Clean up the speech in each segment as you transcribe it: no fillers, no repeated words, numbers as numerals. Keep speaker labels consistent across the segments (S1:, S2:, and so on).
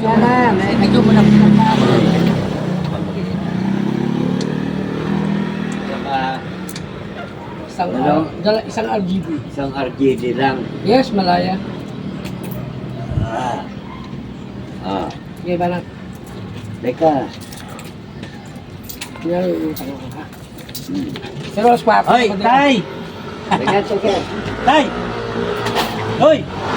S1: Yan na, medyo mo na ako. Saka,
S2: Isang RGB.
S1: isang RGD lang.
S2: Yes, malaya.
S1: Ah. Ah.
S2: Okay ba na?
S1: Teka.
S2: Yan yung utang ko ha. Pero mas pa.
S3: Hoy, tay!
S1: Teka.
S3: Tay! Hoy!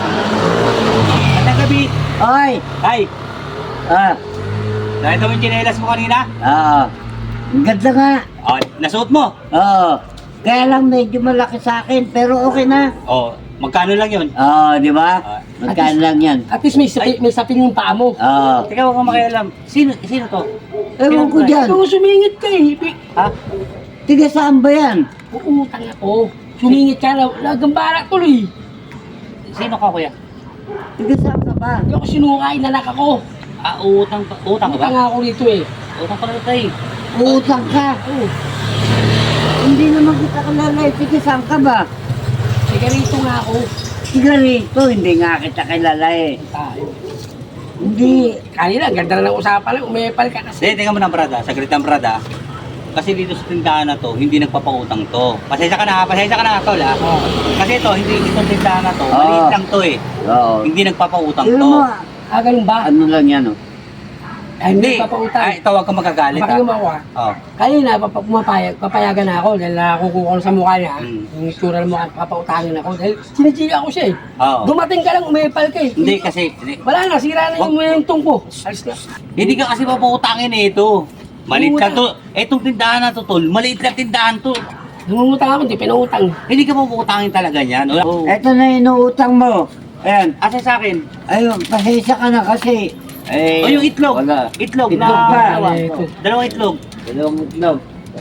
S3: At gabi!
S1: Oy!
S3: Tay!
S1: Ah.
S3: Nakita mo yung chinelas mo kanina?
S1: Ah. Ang ganda nga.
S3: Oh, nasuot mo?
S1: Oo. Kaya lang medyo malaki sa akin, pero okay na.
S3: Oh, magkano lang yun?
S1: Oo, di ba? Magkano lang yan.
S2: At least may sapin yung paa mo.
S1: Oo.
S3: Teka, huwag kang makialam. Sino to?
S1: Ewan ko dyan.
S2: Ikaw sumingit ka eh.
S3: Ha?
S1: Tiga saan ba yan?
S2: Uutang ako. Sumingit ka na. Nagambara tuloy.
S3: Sino ka, kuya?
S1: Tiga saan ka ba?
S2: Hindi ako sinukay, nanak ako.
S3: Ah, utang ka ba?
S2: Utang ako rito eh.
S3: Utang pala tay.
S1: Uutang ka.
S2: Oo.
S1: Hindi naman kita kilala. Tiga saan ka ba?
S2: Sige rito nga ako.
S1: Tiga rito. Hindi nga kita kilala eh.
S2: Tayo.
S1: Hindi.
S2: Kanina, ganda na ng usapan lang. Umepal ka kasi.
S3: Hindi, tingnan mo na, brada. Saglit ang brada. Kasi dito sa tindahan na to, hindi nagpapautang to. Pasensya ka na, tol ha.
S2: Oh.
S3: Kasi ito, hindi itong tindahan na to,
S1: Oo.
S3: maliit lang to eh.
S1: Oo.
S3: Hindi nagpapautang
S1: Tignan
S3: to.
S1: mo.
S2: Ganun ba?
S1: Ano lang yan oh.
S2: Ay, hindi pa pautang.
S3: Ay, tawag ka magagalit
S2: Baka
S3: ha.
S2: yung ako
S3: Oh.
S2: Kanina, papayagan na ako dahil nakukuha ko sa mukha niya.
S3: Mm.
S2: Yung itsura ng mukha, papautangin ako. Dahil sinachika ako siya eh.
S3: Oo.
S2: Dumating ka lang, umepal ka eh.
S3: Hindi kasi,
S2: Wala na, sira na yung mayuntong ko. Alis na.
S3: hindi ka kasi papautangin eh ito. Maliit lang to. Etong tindahan na to, tol, maliit lang tindahan to.
S2: Nangungutang ako, hindi pinautang.
S3: Hindi ka papautangin talaga niyan. Oh.
S1: Ito na inuutang mo. Ayan.
S3: Asa sa akin?
S1: Ayun, pasensya ka na kasi. Eh,
S3: O yung itlog.
S1: Wala.
S3: Itlog
S1: Itlog
S3: na
S1: pa.
S3: dalawa.
S2: Ito.
S3: Dalawang itlog.
S1: Dalawang itlog.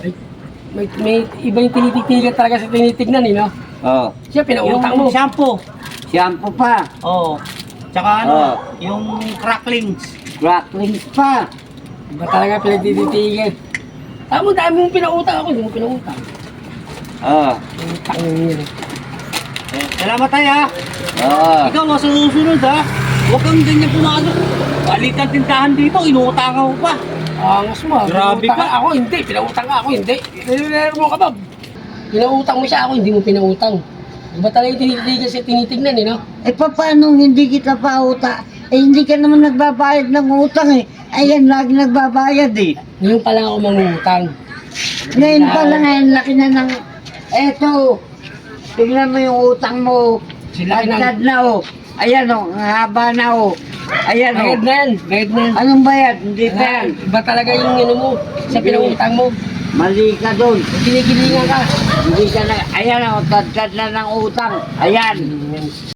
S2: May iba yung tinitignan talaga sa tinitignan eh, no?
S1: Oh.
S2: Siya, pinautang mo.
S3: Yung shampoo.
S1: Shampoo pa.
S3: Oo. Tsaka ano,
S1: Oo.
S3: yung cracklings.
S1: Cracklings pa.
S2: Iba talaga pinagtititigan. Tama, dami mong pinautang ako, hindi mo pinautang.
S1: Oh.
S2: Utang yun eh.
S3: Salamat tayo ha.
S1: Oh.
S3: Ikaw, masusunod ha. Huwag kang ganyan pumasok. Balit ang tindahan dito, inuutangan mo pa.
S2: Angas mo ah.
S3: Grabe
S2: Pinautang
S3: ka.
S2: ako, hindi. Pinautang ako, hindi. Nililero mo ka ba? Pinautang mo siya ako, hindi mo pinautang. Iba talaga yung tinitigan siya tinitignan eh, no?
S1: Eh, paano hindi kita pauta? Eh, hindi ka naman nagbabayad ng utang eh. Ayan, lagi nagbabayad eh.
S2: Ngayon pa lang ako mangutang.
S1: Ngayon pa lang, ngayon, laki na ng... Eto, tingnan mo yung utang mo.
S2: Sila
S1: Agad na oh. Ayan oh, ang haba na oh. Ayan oh.
S2: Bayad na yan, bayad na yan.
S1: Anong bayad? Hindi pa yan.
S2: Iba talaga yung ano mo, sa pinautang mo.
S1: Mali ka doon.
S2: Ginigilingan ka.
S1: Hindi ka na... Ayan oh, tad na ng utang. Ayan.